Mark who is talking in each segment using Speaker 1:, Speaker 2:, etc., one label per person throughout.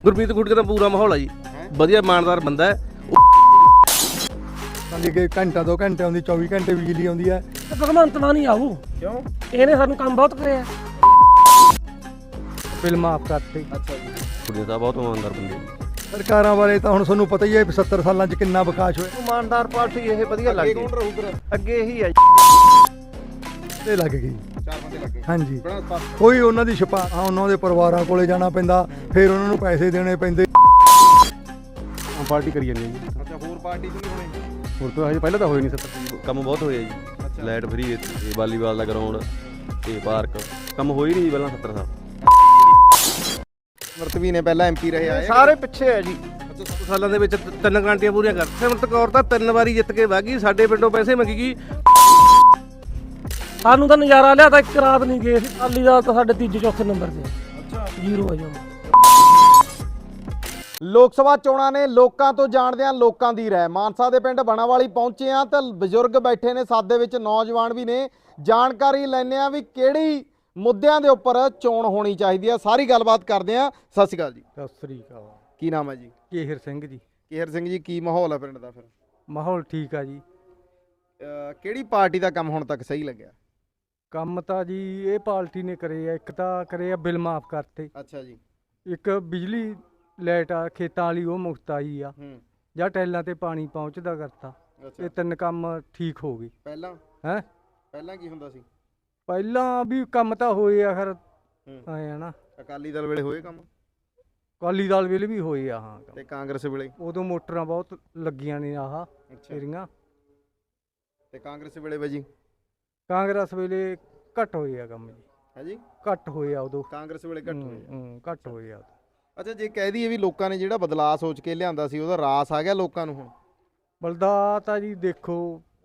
Speaker 1: ਗੁਰਮੀਤ ਗੁੱਟਕੇ ਦਾ ਪੂਰਾ ਮਾਹੌਲ ਹੈ ਜੀ, ਵਧੀਆ ਇਮਾਨਦਾਰ ਬੰਦਾ ਹੈ।
Speaker 2: ਕਿ ਘੰਟਾ 2 ਘੰਟੇ ਆਉਂਦੀ 24 ਘੰਟੇ ਬਿਜਲੀ ਆਉਂਦੀ ਹੈ।
Speaker 3: ਭਗਵੰਤ ਮਾਨ ਨਹੀਂ ਆਊ ਕਿਉਂ? ਇਹਨੇ ਸਾਨੂੰ ਕੰਮ ਬਹੁਤ ਕਰਿਆ।
Speaker 2: ਬਿੱਲ ਮਾਫ ਕਰਤੇ।
Speaker 1: ਅੱਛਾ ਜੀ, ਗੁਰਮੀਤ ਦਾ ਬਹੁਤ ਇਮਾਨਦਾਰ ਬੰਦੇ।
Speaker 2: ਸਰਕਾਰਾਂ ਬਾਰੇ ਤਾਂ ਹੁਣ ਤੁਹਾਨੂੰ ਪਤਾ ਹੀ ਹੈ 70 ਸਾਲਾਂ 'ਚ ਕਿੰਨਾ ਵਿਕਾਸ ਹੋਇਆ।
Speaker 1: ਇਮਾਨਦਾਰ ਪਾਰਟੀ ਇਹ ਵਧੀਆ ਲੱਗਦੀ। ਕੌਣ ਰਹੂ ਫਿਰ ਅੱਗੇ? ਇਹੀ ਹੈ
Speaker 2: ਤੇ ਲੱਗ ਗਈ
Speaker 1: 4 ਬੰਦੇ ਲੱਗੇ।
Speaker 2: ਹਾਂਜੀ, ਕੋਈ ਉਹਨਾਂ ਦੀ ਛਪਾ ਉਹਨਾਂ ਦੇ ਪਰਿਵਾਰਾਂ ਕੋਲੇ ਜਾਣਾ ਪੈਂਦਾ, ਫਿਰ ਉਹਨਾਂ ਨੂੰ ਪੈਸੇ ਦੇਣੇ ਪੈਂਦੇ।
Speaker 4: ਪਾਰਟੀ ਕਰੀ ਜਾਂਦੇ ਜੀ।
Speaker 1: ਅੱਛਾ, ਹੋਰ ਪਾਰਟੀ ਚ ਨਹੀਂ ਹੋਣੀ?
Speaker 4: ਹੋਰ ਤਾਂ ਹਜੇ ਪਹਿਲਾਂ ਤਾਂ ਹੋਏ ਨਹੀਂ 70
Speaker 5: ਕੰਮ ਬਹੁਤ ਹੋਇਆ ਜੀ। ਲਾਈਟ ਫਰੀ ਤੇ ਵਾਲੀਬਾਲ ਦਾ ਗਰਾਊਂਡ ਤੇ ਪਾਰਕ ਕੰਮ ਹੋਈ ਨਹੀਂ ਪਹਿਲਾਂ 70 ਸਾਲ।
Speaker 1: ਮਰਤਵੀ ਨੇ ਪਹਿਲਾਂ ਐਮਪੀ ਰਹੇ ਆਏ ਸਾਰੇ ਪਿੱਛੇ ਹੈ ਜੀ। ਅੱਛਾ, 7 ਸਾਲਾਂ ਦੇ ਵਿੱਚ 3 ਗਾਂਟੀਆਂ ਪੂਰੀਆਂ ਕਰ ਸਿਮਰਤ ਕੌਰ ਤਾਂ 3 ਵਾਰੀ ਜਿੱਤ ਕੇ ਵਾਗੀ, ਸਾਡੇ ਪਿੰਡੋਂ ਪੈਸੇ ਮੰਗੀ ਗਈ।
Speaker 3: ਸਾਨੂੰ ਤਾਂ ਨਜ਼ਾਰਾ ਲਿਆ ਤਾਂ ਇੱਕ ਰਾਤ ਨਹੀਂ ਗਏ। ਅਕਾਲੀ ਦਲ ਤਾਂ ਸਾਡੇ ਤੀਜੇ ਚੌਥੇ ਨੰਬਰ ਤੇ। ਅੱਛਾ, ਜ਼ੀਰੋ ਆ ਜੀ।
Speaker 6: ਲੋਕ ਸਭਾ ਚੋਣਾਂ ਨੇ ਲੋਕਾਂ ਤੋਂ ਜਾਣਦੇ ਆ ਲੋਕਾਂ ਦੀ ਰਾਏ। ਮਾਨਸਾ ਦੇ ਪਿੰਡ ਬਣਾਵਾਲੀ ਪਹੁੰਚੇ ਆ ਤਾਂ ਬਜ਼ੁਰਗ ਬੈਠੇ ਨੇ, ਸਾਥ ਦੇ ਵਿੱਚ ਨੌਜਵਾਨ ਵੀ ਨੇ। ਜਾਣਕਾਰੀ ਲੈਣੇ ਆ ਵੀ ਕਿਹੜੀ ਮੁੱਦਿਆਂ ਦੇ ਉੱਪਰ ਚੋਣ ਹੋਣੀ ਚਾਹੀਦੀ ਆ। ਸਾਰੀ ਗੱਲਬਾਤ ਕਰਦੇ ਆ। ਸਤਿ ਸ਼੍ਰੀ ਅਕਾਲ ਜੀ।
Speaker 2: ਸਤਿ ਸ੍ਰੀ ਅਕਾਲ।
Speaker 6: ਕੀ ਨਾਮ ਹੈ ਜੀ?
Speaker 2: ਕੇਹਰ ਸਿੰਘ ਜੀ।
Speaker 6: ਕੇਹਰ ਸਿੰਘ ਜੀ, ਕੀ ਮਾਹੌਲ ਹੈ ਪਿੰਡ ਦਾ ਫਿਰ?
Speaker 2: ਮਾਹੌਲ ਠੀਕ ਆ ਜੀ।
Speaker 6: ਕਿਹੜੀ ਪਾਰਟੀ ਦਾ ਕੰਮ ਹੁਣ ਤੱਕ ਸਹੀ ਲੱਗਿਆ?
Speaker 2: ਕੰਮ ਤਾਂ ਜੀ ਇਹ ਪਾਰਟੀ ਨੇ ਕਰੇ ਆ। ਇੱਕ ਤਾਂ ਕਰੇ ਆ ਬਿੱਲ ਮਾਫ ਕਰਤੇ।
Speaker 6: ਅੱਛਾ ਜੀ।
Speaker 2: ਇੱਕ ਬਿਜਲੀ ਲਾਈਟ ਆ ਖੇਤਾਂ ਵਾਲੀ ਉਹ ਮੁਫਤ ਆਈ ਆ। ਜਾਂ ਟੈਲਾਂ ਤੇ ਪਾਣੀ ਪਹੁੰਚਦਾ ਕਰਤਾ। ਇਹ 3 ਕੰਮ ਠੀਕ ਹੋ ਗਏ।
Speaker 6: ਪਹਿਲਾਂ ਕੀ ਹੁੰਦਾ ਸੀ?
Speaker 2: ਪਹਿਲਾਂ ਵੀ ਕੰਮ ਤਾਂ ਹੋਏ ਆ, ਖਰ ਆਏ ਆ ਨਾ।
Speaker 6: ਅਕਾਲੀ ਦਲ ਵੇਲੇ ਹੋਏ ਕੰਮ?
Speaker 2: ਅਕਾਲੀ ਦਲ ਵੇਲੇ ਵੀ ਹੋਏ ਆ। ਹਾਂ,
Speaker 6: ਤੇ ਕਾਂਗਰਸ ਵੇਲੇ?
Speaker 2: ਉਦੋਂ ਮੋਟਰਾਂ ਬਹੁਤ ਲੱਗੀਆਂ ਨੇ ਆਹ ਤੇਰੀਆਂ।
Speaker 6: ਤੇ ਕਾਂਗਰਸ ਵੇਲੇ ਬਾਜੀ?
Speaker 2: ਕਾਂਗਰਸ ਵੇਲੇ ਘੱਟ ਹੋਏ ਆ ਕੰਮ ਜੀ।
Speaker 6: ਹੈ ਜੀ,
Speaker 2: ਘੱਟ ਹੋਏ ਆ ਉਦੋਂ।
Speaker 6: ਕਾਂਗਰਸ ਵੇਲੇ ਘੱਟ ਹੋਏ?
Speaker 2: ਘੱਟ ਹੋਏ ਆ।
Speaker 6: ਅੱਛਾ, ਜੇ ਕਹਿ ਦਈਏ ਵੀ ਲੋਕਾਂ ਨੇ ਜਿਹੜਾ ਬਦਲਾਅ ਸੋਚ ਕੇ ਲਿਆਂਦਾ ਸੀ ਉਹਦਾ ਰਾਸ ਆ ਗਿਆ ਲੋਕਾਂ ਨੂੰ ਹੁਣ?
Speaker 2: ਬਲਦਾ ਤਾਂ ਜੀ ਦੇਖੋ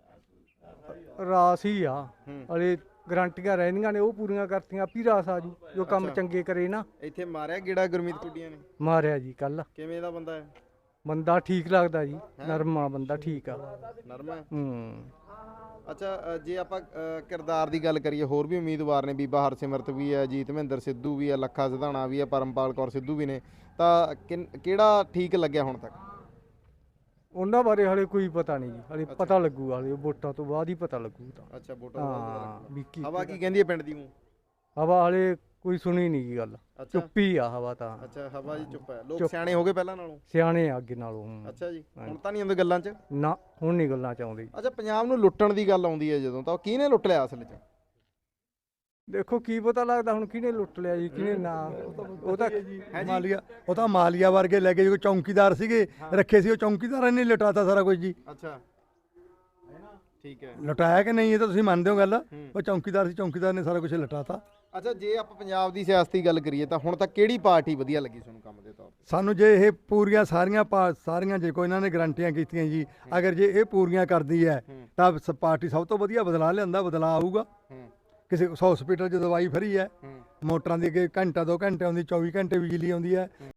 Speaker 2: ਰਾਸ ਹੀ ਆ। ਹਲੇ ਗਰੰਟੀਆਂ ਰਹਿੰਦੀਆਂ ਨੇ, ਉਹ ਪੂਰੀਆਂ ਕਰਤੀਆਂ ਆਪੀ ਰਾਸ ਆ ਜੂ ਜੋ ਕੰਮ ਚੰਗੇ ਕਰੇ ਨਾ।
Speaker 6: ਇੱਥੇ ਮਾਰਿਆ ਗੇੜਾ ਗੁਰਮੀਤ ਕੁੱਡੀਆਂ ਨੇ?
Speaker 2: ਮਾਰਿਆ ਜੀ ਕੱਲ।
Speaker 6: ਕਿਵੇਂ ਦਾ ਬੰਦਾ ਹੈ?
Speaker 2: ਬੰਦਾ ਠੀਕ ਲੱਗਦਾ ਜੀ, ਨਰਮਾ ਬੰਦਾ ਠੀਕ ਆ।
Speaker 6: ਨਰਮਾ? ਅੱਛਾ, ਜੇ ਆਪਾਂ ਕਿਰਦਾਰ ਦੀ ਗੱਲ ਕਰੀਏ, ਹੋਰ ਵੀ ਉਮੀਦਵਾਰ ਨੇ। ਬੀਬਾ ਹਰਸਿਮਰਤ ਵੀ ਹੈ, ਜੀਤ ਮਹਿੰਦਰ ਸਿੱਧੂ ਵੀ ਹੈ, ਲੱਖਾ ਸਿਧਾਣਾ ਵੀ ਹੈ, ਪਰਮਪਾਲ ਕੌਰ ਸਿੱਧੂ ਵੀ ਨੇ। ਤਾਂ ਕਿਹੜਾ ਠੀਕ ਲੱਗਿਆ ਹੁਣ ਤੱਕ?
Speaker 2: ਉਹਨਾਂ ਬਾਰੇ ਹਲੇ ਕੋਈ ਪਤਾ ਨਹੀਂ ਜੀ। ਹਲੇ ਪਤਾ ਲੱਗੂਗਾ, ਹਲੇ ਵੋਟਾਂ ਤੋਂ ਬਾਅਦ ਹੀ ਪਤਾ ਲੱਗੂ ਤਾਂ।
Speaker 6: ਅੱਛਾ, ਵੋਟਾਂ ਤੋਂ ਬਾਅਦ।
Speaker 2: ਹਾਂ,
Speaker 6: ਹਵਾ ਕੀ ਕਹਿੰਦੀ ਹੈ ਪਿੰਡ ਦੀ?
Speaker 2: ਹਵਾ ਹਲੇ ਕੋਈ ਸੁਣੀ ਨਹੀਂ ਗੀ ਗੱਲ। ਚੁੱਪੀ ਆ ਹਵਾ ਤਾਂ।
Speaker 6: ਅੱਛਾ, ਹਵਾ ਜੀ ਚੁੱਪ ਹੈ। ਲੋਕ ਸਿਆਣੇ ਹੋ ਗਏ ਪਹਿਲਾਂ ਨਾਲੋਂ?
Speaker 2: ਸਿਆਣੇ ਆ ਅੱਗੇ ਨਾਲੋਂ।
Speaker 6: ਅੱਛਾ ਜੀ, ਹੁਣ ਤਾਂ ਨਹੀਂ ਆਉਂਦੇ ਗੱਲਾਂ 'ਚ?
Speaker 2: ਨਾ, ਹੁਣ ਨਹੀਂ ਗੱਲਾਂ ਚ ਆਉਂਦੇ।
Speaker 6: ਅੱਛਾ, ਪੰਜਾਬ ਨੂੰ ਲੁੱਟਣ ਦੀ ਗੱਲ ਆਉਂਦੀ ਹੈ ਜਦੋਂ, ਤਾਂ ਉਹ ਕਿਹਨੇ ਲੁੱਟ ਲਿਆ ਅਸਲ 'ਚ?
Speaker 2: ਦੇਖੋ ਕੀ ਪਤਾ ਲੱਗਦਾ ਹੁਣ ਕਿਹਨੇ ਲੁੱਟ ਲਿਆ ਜੀ, ਕਿਹਨੇ ਨਾ। ਉਹ ਤਾਂ ਮਾਲੀਆ ਵਰਗੇ ਲੈ ਕੇ ਜੋ ਚੌਂਕੀਦਾਰ ਸੀਗੇ ਰੱਖੇ ਸੀ, ਉਹ ਚੌਂਕੀਦਾਰਾਂ ਨੇ ਲੁਟਾਤਾ ਸਾਰਾ ਕੁਝ ਜੀ।
Speaker 6: ਅੱਛਾ, ਠੀਕ ਹੈ।
Speaker 2: ਲੁਟਾਇਆ ਕਿ ਨਹੀਂ ਇਹ ਤਾਂ ਤੁਸੀਂ ਮੰਨਦੇ ਹੋ ਗੱਲ। ਉਹ ਚੌਂਕੀਦਾਰ ਸੀ, ਚੌਂਕੀਦਾਰ ਨੇ ਸਾਰਾ ਕੁਝ ਲੁਟਾਤਾ।
Speaker 6: ਅੱਛਾ, ਜੇ ਆਪਾਂ ਪੰਜਾਬ ਦੀ ਸਿਆਸਤ ਦੀ ਗੱਲ ਕਰੀਏ ਤਾਂ ਹੁਣ ਤੱਕ ਕਿਹੜੀ ਪਾਰਟੀ ਵਧੀਆ ਲੱਗੀ ਤੁਹਾਨੂੰ ਕੰਮ ਦੇ ਤੌਰ ਤੇ?
Speaker 2: ਸਾਨੂੰ ਜੇ ਇਹ ਪੂਰੀਆਂ ਸਾਰੀਆਂ ਜੇ ਕੋਈ ਇਹਨਾਂ ਨੇ ਗਰੰਟੀਆਂ ਕੀਤੀਆਂ ਜੀ, ਅਗਰ ਜੇ ਇਹ ਪੂਰੀਆਂ ਕਰਦੀ ਹੈ ਤਾਂ ਪਾਰਟੀ ਸਭ ਤੋਂ ਵਧੀਆ ਬਦਲਾ ਲਿਆਂਦਾ। ਬਦਲਾ ਆਊਗਾ। ਕਿਸੇ ਹਸਪੀਟਲ 'ਚ ਦਵਾਈ ਫਰੀ ਹੈ, ਮੋਟਰਾਂ ਦੀ ਅੱਗੇ ਘੰਟਾ 2 ਘੰਟੇ ਆਉਂਦੀ 24 ਘੰਟੇ ਬਿਜਲੀ ਆਉਂਦੀ ਹੈ।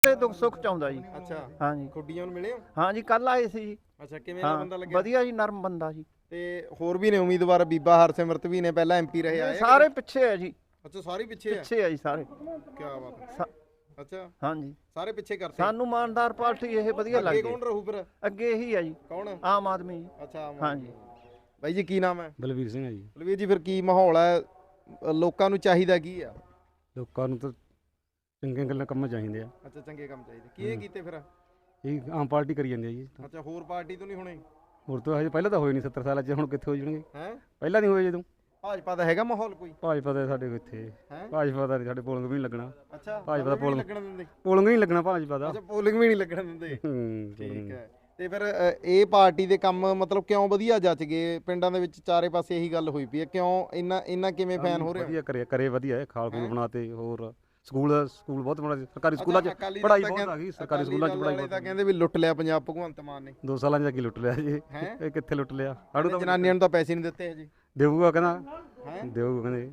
Speaker 7: ਕਿਸੇ ਦੁੱਖ ਸੁੱਖ ਚ ਆਉਂਦਾ ਜੀ।
Speaker 6: ਅੱਛਾ
Speaker 7: ਹਾਂਜੀ
Speaker 6: ਖੁੱਡੀਆਂ ਨੂੰ ਮਿਲੇ ਹੋ?
Speaker 7: ਹਾਂਜੀ ਕੱਲ ਆਏ ਸੀ ਜੀ।
Speaker 6: ਅੱਛਾ ਕਿਵੇਂ ਦਾ ਬੰਦਾ ਲੱਗਿਆ?
Speaker 7: ਵਧੀਆ ਜੀ, ਨਰਮ ਬੰਦਾ ਜੀ।
Speaker 6: ਤੇ ਹੋਰ ਵੀ ਨੇ ਉਮੀਦਵਾਰ, ਬੀਬਾ ਹਰਸਿਮਰਤ ਵੀ ਨੇ, ਪਹਿਲਾਂ ਐਮਪੀ ਰਹੇ ਆਏ।
Speaker 7: ਸਾਰੇ ਪਿੱਛੇ ਆ ਜੀ,
Speaker 6: ਅੱਛਾ ਸਾਰੇ ਪਿੱਛੇ ਆ?
Speaker 7: ਪਿੱਛੇ ਆ ਜੀ ਸਾਰੇ।
Speaker 6: ਕੀ ਬਾਤ ਹੈ। ਅੱਛਾ
Speaker 7: ਹਾਂਜੀ
Speaker 6: ਸਾਰੇ ਪਿੱਛੇ ਕਰਤੇ।
Speaker 7: ਸਾਨੂੰ ਇਮਾਨਦਾਰ ਪਾਰਟੀ ਇਹ ਵਧੀਆ
Speaker 6: ਅੱਗੇ
Speaker 7: ਲੱਗਦੀ।
Speaker 6: ਕੌਣ ਰਹੂ ਫਿਰ?
Speaker 7: ਅੱਗੇ ਇਹੀ ਆ ਜੀ,
Speaker 6: ਕੌਣ?
Speaker 7: ਆਮ ਆਦਮੀ ਜੀ।
Speaker 6: ਅੱਛਾ ਆਮ
Speaker 7: ਹਾਂਜੀ।
Speaker 6: ਆਦਮੀ। ਬਾਈ ਜੀ ਕੀ ਨਾਮ ਹੈ?
Speaker 4: ਬਲਵੀਰ ਸਿੰਘ ਹੈ ਜੀ।
Speaker 6: ਬਲਵੀਰ ਜੀ ਫਿਰ ਕੀ ਮਾਹੌਲ ਹੈ, ਲੋਕਾਂ ਨੂੰ ਚਾਹੀਦਾ ਕੀ ਆ?
Speaker 4: ਲੋਕਾਂ ਨੂੰ ਤਾਂ ਚੰਗੀਆਂ ਗੱਲਾਂ ਕੰਮ ਚਾਹੀਦੇ ਆ।
Speaker 6: ਅੱਛਾ ਚੰਗੇ ਕੰਮ ਚਾਹੀਦੇ, ਕਿਹਨੇ ਕੀਤੇ ਫਿਰ?
Speaker 4: ਇਹ ਆਮ ਪਾਰਟੀ ਕਰੀ ਜਾਂਦੀ ਹੈ ਜੀ।
Speaker 6: ਅੱਛਾ ਹੋਰ ਪਾਰਟੀ ਤੋਂ ਨਹੀਂ ਹੋਣੇ?
Speaker 4: ਹੋਰ ਤਾਂ ਹਜੇ ਪਹਿਲਾਂ ਤਾਂ ਹੋਏ ਨਹੀਂ 70 ਸਾਲਾਂ 'ਚ, ਹੁਣ ਕਿੱਥੇ ਹੋ ਜਾਣਗੇ?
Speaker 6: ਹੈ
Speaker 4: ਪਹਿਲਾਂ ਨਹੀਂ ਹੋਏ ਜਦੋਂ।
Speaker 6: ਭਾਜਪਾ ਦਾ ਹੈਗਾ ਮਾਹੌਲ ਕੋਈ?
Speaker 4: ਭਾਜਪਾ ਦਾ ਸਾਡੇ ਇੱਥੇ
Speaker 6: ਹੈਂ?
Speaker 4: ਭਾਜਪਾ ਦਾ ਸਾਡੇ ਪੋਲਿੰਗ ਵੀ ਨਹੀਂ ਲੱਗਣਾ।
Speaker 6: ਅੱਛਾ
Speaker 4: ਭਾਜਪਾ ਦਾ
Speaker 6: ਵੀ ਨਹੀਂ
Speaker 4: ਪੋਲਿੰਗ
Speaker 6: ਲੱਗਣ ਦਿੰਦੇ?
Speaker 4: ਪੋਲਿੰਗ ਵੀ ਨਹੀਂ ਲੱਗਣਾ ਭਾਜਪਾ ਦਾ।
Speaker 6: ਅੱਛਾ ਪੋਲਿੰਗ ਵੀ ਨਹੀਂ ਲੱਗਣ ਦਿੰਦੇ।
Speaker 4: ਠੀਕ
Speaker 6: ਠੀਕ ਹੈ। ਤੇ ਫਿਰ ਇਹ ਪਾਰਟੀ ਦੇ ਕੰਮ ਮਤਲਬ ਕਿਉਂ ਵਧੀਆ ਜੱਜ ਗਏ? ਪਿੰਡਾਂ ਦੇ ਵਿੱਚ ਚਾਰੇ ਪਾਸੇ ਇਹੀ ਗੱਲ ਹੋਈ ਪਈ ਹੈ, ਕਿਉਂ ਇੰਨਾ ਕਿਵੇਂ ਫੈਨ ਹੋ ਰਿਹਾ?
Speaker 4: ਵਧੀਆ ਕਰੇ ਵਧੀਆ ਖਾਲ ਖੂਲ ਬਣਾਤੇ। ਹੋਰ ਸਕੂਲ ਬਹੁਤ ਬਣਾ ਸਰਕਾਰੀ ਸਕੂਲਾਂ 'ਚ
Speaker 6: ਅਕਾਲੀ ਦਲ
Speaker 4: ਪੜ੍ਹਾਈ
Speaker 6: ਤਾਂ
Speaker 4: ਬਹੁਤ ਆ ਗਈ। ਸਰਕਾਰੀ ਸਕੂਲਾਂ 'ਚ ਪੜ੍ਹਾਈ
Speaker 6: ਤਾਂ
Speaker 4: ਬਹੁਤ।
Speaker 6: ਕਹਿੰਦੇ ਵੀ ਲੁੱਟ ਲਿਆ ਪੰਜਾਬ ਭਗਵੰਤ ਮਾਨ ਨੇ।
Speaker 4: 2 ਸਾਲਾਂ 'ਚ ਕੀ ਲੁੱਟ ਲਿਆ ਜੀ?
Speaker 6: ਹੈਂ?
Speaker 4: ਇਹ ਕਿੱਥੇ ਲੁੱਟ ਲਿਆ? ਸਾਡੂ ਤਾਂ
Speaker 6: ਜਨਾਨੀਆਂ ਨੂੰ ਤਾਂ ਪੈਸੇ ਨਹੀਂ ਦਿੱਤੇ ਹਜੇ।
Speaker 4: ਦੇਊਗਾ ਕਹਿੰਦਾ,
Speaker 6: ਹੈਂ?
Speaker 4: ਦੇਊਗਾ ਕਹਿੰਦੇ।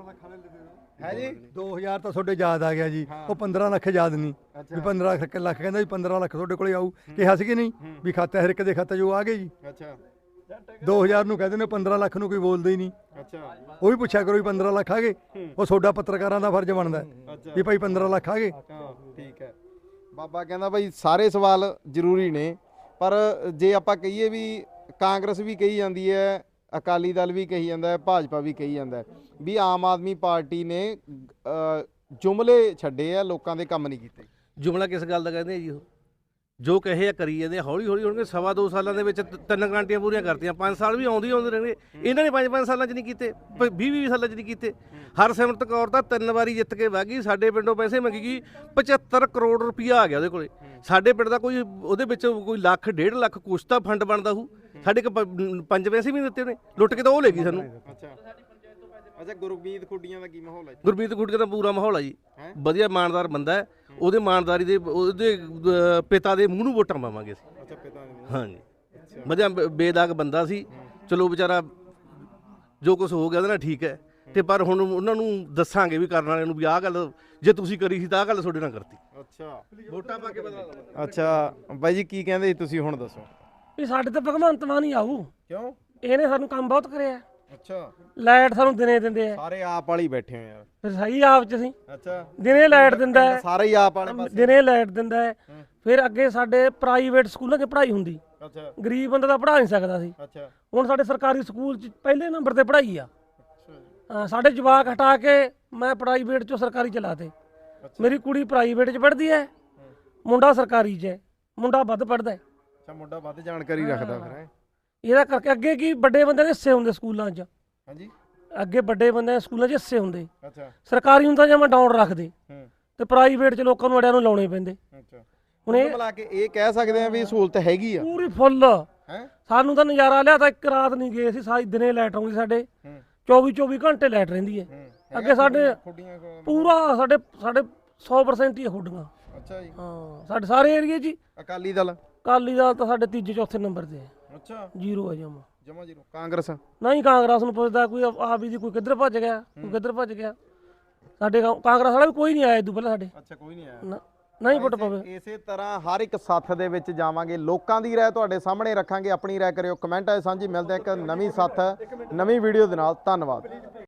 Speaker 6: ਹੈ ਜੀ
Speaker 2: 2000 ਤਾਂ ਤੁਹਾਡੇ ਯਾਦ ਆ ਗਿਆ ਜੀ, ਉਹ 15 ਲੱਖ ਯਾਦ ਨਹੀਂ ਵੀ 15 ਲੱਖ ਕਹਿੰਦਾ ਵੀ 15 ਲੱਖ ਤੁਹਾਡੇ ਕੋਲੇ ਆਊ, ਕਿਹਾ ਸੀ ਕਿ ਨਹੀਂ ਵੀ ਖਾਤਾ ਹਰ ਇੱਕ ਦੇ ਖਾਤੇ 'ਚ ਉਹ ਆ ਗਏ ਜੀ।
Speaker 6: ਅੱਛਾ
Speaker 2: 2000 ਨੂੰ ਕਹਿੰਦੇ ਨੇ, 15 ਲੱਖ ਨੂੰ ਕੋਈ ਬੋਲਦਾ ਹੀ ਨਹੀਂ।
Speaker 6: ਅੱਛਾ
Speaker 2: ਉਹ ਵੀ ਪੁੱਛਿਆ ਕਰੋ ਵੀ 15 ਲੱਖ ਆ ਗਏ, ਉਹ ਤੁਹਾਡਾ ਪੱਤਰਕਾਰਾਂ ਦਾ ਫਰਜ਼ ਬਣਦਾ ਹੈ
Speaker 6: ਅੱਛਾ
Speaker 2: ਵੀ ਭਾਈ 15 ਲੱਖ ਆ ਗਏ।
Speaker 6: ਹਾਂ ਠੀਕ ਹੈ। ਬਾਬਾ ਕਹਿੰਦਾ ਭਾਈ ਸਾਰੇ ਸਵਾਲ ਜ਼ਰੂਰੀ ਨੇ, ਪਰ ਜੇ ਆਪਾਂ ਕਹੀਏ ਵੀ ਕਾਂਗਰਸ ਵੀ ਕਹੀ ਜਾਂਦੀ ਹੈ, ਅਕਾਲੀ ਦਲ ਵੀ ਕਹੀ ਜਾਂਦਾ ਹੈ, ਭਾਜਪਾ ਵੀ ਕਹੀ ਜਾਂਦਾ ਹੈ ਵੀ ਆਮ ਆਦਮੀ ਪਾਰਟੀ ਨੇ ਜੁਮਲੇ ਛੱਡੇ ਆ, ਲੋਕਾਂ ਦੇ ਕੰਮ ਨਹੀਂ ਕੀਤੇ।
Speaker 1: ਜੁਮਲਾ ਕਿਸ ਗੱਲ ਦਾ ਕਹਿੰਦੇ ਆ ਜੀ? ਉਹ ਜੋ ਕਹੇ ਆ ਕਰੀ ਜਾਂਦੇ, ਹੌਲੀ ਹੌਲੀ ਹੋਣਗੇ। 2.5 ਸਾਲਾਂ ਦੇ ਵਿੱਚ 3 ਗਾਰੰਟੀਆਂ ਪੂਰੀਆਂ ਕਰਤੀਆਂ। 5 ਸਾਲ ਵੀ ਆਉਂਦੇ ਰਹਿਣਗੇ। ਇਹਨਾਂ ਨੇ 5 ਸਾਲਾਂ 'ਚ ਨਹੀਂ ਕੀਤੇ, 20 ਸਾਲਾਂ 'ਚ ਨਹੀਂ ਕੀਤੇ। ਹਰਸਿਮਰਤ ਕੌਰ ਤਾਂ 3 ਵਾਰੀ ਜਿੱਤ ਕੇ ਵਗ ਗਈ, ਸਾਡੇ ਪਿੰਡੋਂ ਪੈਸੇ ਮੰਗੀ, 75 ਕਰੋੜ ਰੁਪਈਆ ਆ ਗਿਆ ਉਹਦੇ ਕੋਲੇ। ਸਾਡੇ ਪਿੰਡ ਦਾ ਕੋਈ ਉਹਦੇ ਵਿੱਚ ਕੋਈ ਲੱਖ 1.5 ਲੱਖ ਕੁਛ ਤਾਂ ਫੰਡ ਬਣਦਾ ਹੋਊ। ਸਾਡੇ 5 ਪੈਸੇ ਵੀ ਨਹੀਂ ਦਿੱਤੇ ਉਹਨੇ, ਲੁੱਟ ਕੇ ਤਾਂ ਉਹ ਲੈ ਗਈ ਸਾਨੂੰ।
Speaker 6: ਅੱਛਾ ਗੁਰਮੀਤ ਖੁੱਡੀਆਂ ਦਾ ਕੀ ਮਾਹੌਲ ਹੈ?
Speaker 1: ਗੁਰਮੀਤ ਖੁੱਡੀਆਂ ਦਾ ਪੂਰਾ ਮਾਹੌਲ ਆ ਜੀ, ਵਧੀਆ ਇਮਾਨਦਾਰ ਬੰਦਾ ਹੈ। ਉਹਦੇ ਇਮਾਨਦਾਰੀ ਦੇ ਉਹਦੇ ਪਿਤਾ ਦੇ ਮੂੰਹ ਨੂੰ ਵੋਟਾਂ ਪਾਵਾਂਗੇ ਅਸੀਂ।
Speaker 6: ਅੱਛਾ ਪਿਤਾ ਨੇ?
Speaker 1: ਹਾਂਜੀ ਵਧੀਆ ਬੇਦਾਗ ਬੰਦਾ ਸੀ। ਚਲੋ ਵਿਚਾਰਾ ਜੋ ਕੁਝ ਹੋ ਗਿਆ ਉਹਦੇ ਨਾਲ ਠੀਕ ਹੈ, ਤੇ ਪਰ ਹੁਣ ਉਹਨਾਂ ਨੂੰ ਦੱਸਾਂਗੇ ਵੀ ਕਰਨ ਵਾਲਿਆਂ ਨੂੰ ਵੀ ਆਹ ਗੱਲ ਜੇ ਤੁਸੀਂ ਕਰੀ ਸੀ ਤਾਂ ਆਹ ਗੱਲ ਤੁਹਾਡੇ ਨਾਲ ਕਰਤੀ।
Speaker 6: ਅੱਛਾ
Speaker 1: ਵੋਟਾਂ ਪਾ ਕੇ ਬਦਲਾ ਲਵਾਂਗੇ।
Speaker 6: ਅੱਛਾ ਬਾਈ ਜੀ ਕੀ ਕਹਿੰਦੇ ਤੁਸੀਂ ਹੁਣ ਦੱਸੋ?
Speaker 3: ਵੀ ਸਾਡੇ ਤੇ ਭਗਵੰਤ ਮਾਨ ਹੀ ਆਊ।
Speaker 6: ਕਿਉਂ?
Speaker 3: ਇਹਨੇ ਸਾਨੂੰ ਕੰਮ ਬਹੁਤ ਕਰਿਆ।
Speaker 6: ਅੱਛਾ
Speaker 3: ਲਾਈਟ ਸਾਨੂੰ ਦਿਨੇ ਦਿੰਦੇ ਆ,
Speaker 6: ਸਾਰੇ ਆਪ ਵਾਲੀ ਬੈਠੇ ਹੋ ਯਾਰ।
Speaker 3: ਫਿਰ ਸਹੀ ਆਪ ਚ ਅਸੀਂ
Speaker 6: ਅੱਛਾ
Speaker 3: ਦਿਨੇ ਲਾਈਟ ਦਿੰਦਾ ਹੈ,
Speaker 6: ਸਾਰੇ ਹੀ ਆਪ ਵਾਲੇ ਪਾਸੇ।
Speaker 3: ਦਿਨੇ ਲਾਈਟ ਦਿੰਦਾ ਹੈ। ਫਿਰ ਅੱਗੇ ਸਾਡੇ ਪ੍ਰਾਈਵੇਟ ਸਕੂਲਾਂ 'ਚ ਪੜ੍ਹਾਈ ਹੁੰਦੀ,
Speaker 6: ਅੱਛਾ
Speaker 3: ਗਰੀਬ ਬੰਦਾ ਤਾਂ ਪੜ੍ਹਾ ਨਹੀਂ ਸਕਦਾ ਸੀ।
Speaker 6: ਅੱਛਾ
Speaker 3: ਹੁਣ ਸਾਡੇ ਸਰਕਾਰੀ ਸਕੂਲ 'ਚ ਪਹਿਲੇ ਨੰਬਰ ਤੇ ਪੜ੍ਹਾਈ ਆ। ਸਾਡੇ ਜਵਾਕ ਹਟਾ ਕੇ ਮੈਂ ਪ੍ਰਾਈਵੇਟ 'ਚੋਂ ਸਰਕਾਰੀ ਚਲਾਤੇ। ਮੇਰੀ ਕੁੜੀ ਪ੍ਰਾਈਵੇਟ 'ਚ ਪੜ੍ਹਦੀ ਹੈ, ਮੁੰਡਾ ਸਰਕਾਰੀ 'ਚ ਹੈ। ਮੁੰਡਾ ਵੱਧ ਪੜ੍ਹਦਾ ਹੈ।
Speaker 6: ਅੱਛਾ ਮੁੰਡਾ ਵੱਧ ਜਾਣਕਾਰੀ ਰੱਖਦਾ ਫਿਰ ਹੈ।
Speaker 3: ਇਹਦਾ ਕਰਕੇ ਅੱਗੇ ਕੀ ਵੱਡੇ ਬੰਦਿਆਂ ਦੇ ਹਿੱਸੇ ਹੁੰਦੇ ਸਕੂਲਾਂ 'ਚ,
Speaker 6: ਹਾਂਜੀ
Speaker 3: ਅੱਗੇ ਵੱਡੇ ਬੰਦਿਆਂ ਦੇ ਸਕੂਲਾਂ 'ਚ ਹਿੱਸੇ ਹੁੰਦੇ।
Speaker 6: ਅੱਛਾ
Speaker 3: ਸਰਕਾਰੀ ਨੂੰ ਤਾਂ ਜਮਾਂ ਡਾਊਨ ਰੱਖਦੇ,
Speaker 6: ਹੂੰ
Speaker 3: ਤੇ ਪ੍ਰਾਈਵੇਟ 'ਚ ਲੋਕਾਂ ਨੂੰ ਅੜਿਆਂ ਨੂੰ ਲਾਉਣੇ ਪੈਂਦੇ।
Speaker 6: ਅੱਛਾ
Speaker 3: ਹੁਣ ਇਹ
Speaker 6: ਮਿਲਾ ਕੇ ਇਹ ਕਹਿ ਸਕਦੇ ਆ ਵੀ ਸਹੂਲਤ ਹੈਗੀ ਆ
Speaker 3: ਪੂਰੀ ਫੁੱਲ
Speaker 6: ਹੈ।
Speaker 3: ਸਾਨੂੰ ਤਾਂ ਨਜ਼ਾਰਾ ਲਿਆ ਤਾਂ ਇੱਕ ਰਾਤ ਨਹੀਂ ਗਏ ਸੀ, ਸਾਰੀ ਦਿਨੇ ਲਾਈਟ ਆਉਂਦੀ ਸਾਡੇ, 24 ਘੰਟੇ ਲਾਈਟ ਰਹਿੰਦੀ ਹੈ। ਅੱਗੇ ਸਾਡੇ
Speaker 6: ਖੁੱਡੀਆਂ
Speaker 3: ਪੂਰਾ ਸਾਡੇ 100% ਹੀ ਖੁੱਡੀਆਂ।
Speaker 6: ਅੱਛਾ ਜੀ
Speaker 3: ਹਾਂ ਸਾਡੇ ਸਾਰੇ ਏਰੀਏ 'ਚ ਹੀ।
Speaker 6: ਅਕਾਲੀ ਦਲ?
Speaker 3: ਅਕਾਲੀ ਦਲ ਤਾਂ ਸਾਡੇ ਤੀਜੇ ਚੌਥੇ ਨੰਬਰ ਤੇ ਹੈ,
Speaker 6: ਅੱਛਾ
Speaker 3: ਜ਼ੀਰੋ ਹੈ ਜਮਾ।
Speaker 6: ਜਮਾ ਜ਼ੀਰੋ। ਕਾਂਗਰਸ?
Speaker 3: ਨਹੀਂ ਕਾਂਗਰਸ ਨੂੰ ਪੁੱਛਦਾ ਕੋਈ ਆਪ ਹੀ ਦੀ, ਕੋਈ ਕਿੱਧਰ ਭੱਜ ਗਿਆ, ਕੋਈ ਕਿੱਧਰ ਭੱਜ ਗਿਆ। ਸਾਡੇ ਕਾਂਗਰਸ ਵਾਲਾ ਵੀ ਕੋਈ ਨਹੀਂ ਆਇਆ ਇਦੋਂ ਪਹਿਲਾਂ ਸਾਡੇ।
Speaker 6: ਅੱਛਾ ਕੋਈ ਨਹੀਂ ਆਇਆ।
Speaker 3: ਨਹੀਂ ਪੁੱਟ ਪਵੇ।
Speaker 6: ਇਸੇ ਤਰ੍ਹਾਂ ਹਰ ਇੱਕ ਸੱਥ ਦੇ ਵਿੱਚ ਜਾਵਾਂਗੇ, ਲੋਕਾਂ ਦੀ ਰਾਏ ਤੁਹਾਡੇ ਸਾਹਮਣੇ ਰੱਖਾਂਗੇ। ਆਪਣੀ ਰਾਏ ਕਰਿਓ ਕਮੈਂਟਾਂ 'ਚ ਸਾਂਝੀ। ਮਿਲਦੇ ਇੱਕ ਨਵੀਂ ਸੱਥ ਨਵੀਂ ਵੀਡੀਓ ਦੇ ਨਾਲ। ਧੰਨਵਾਦ।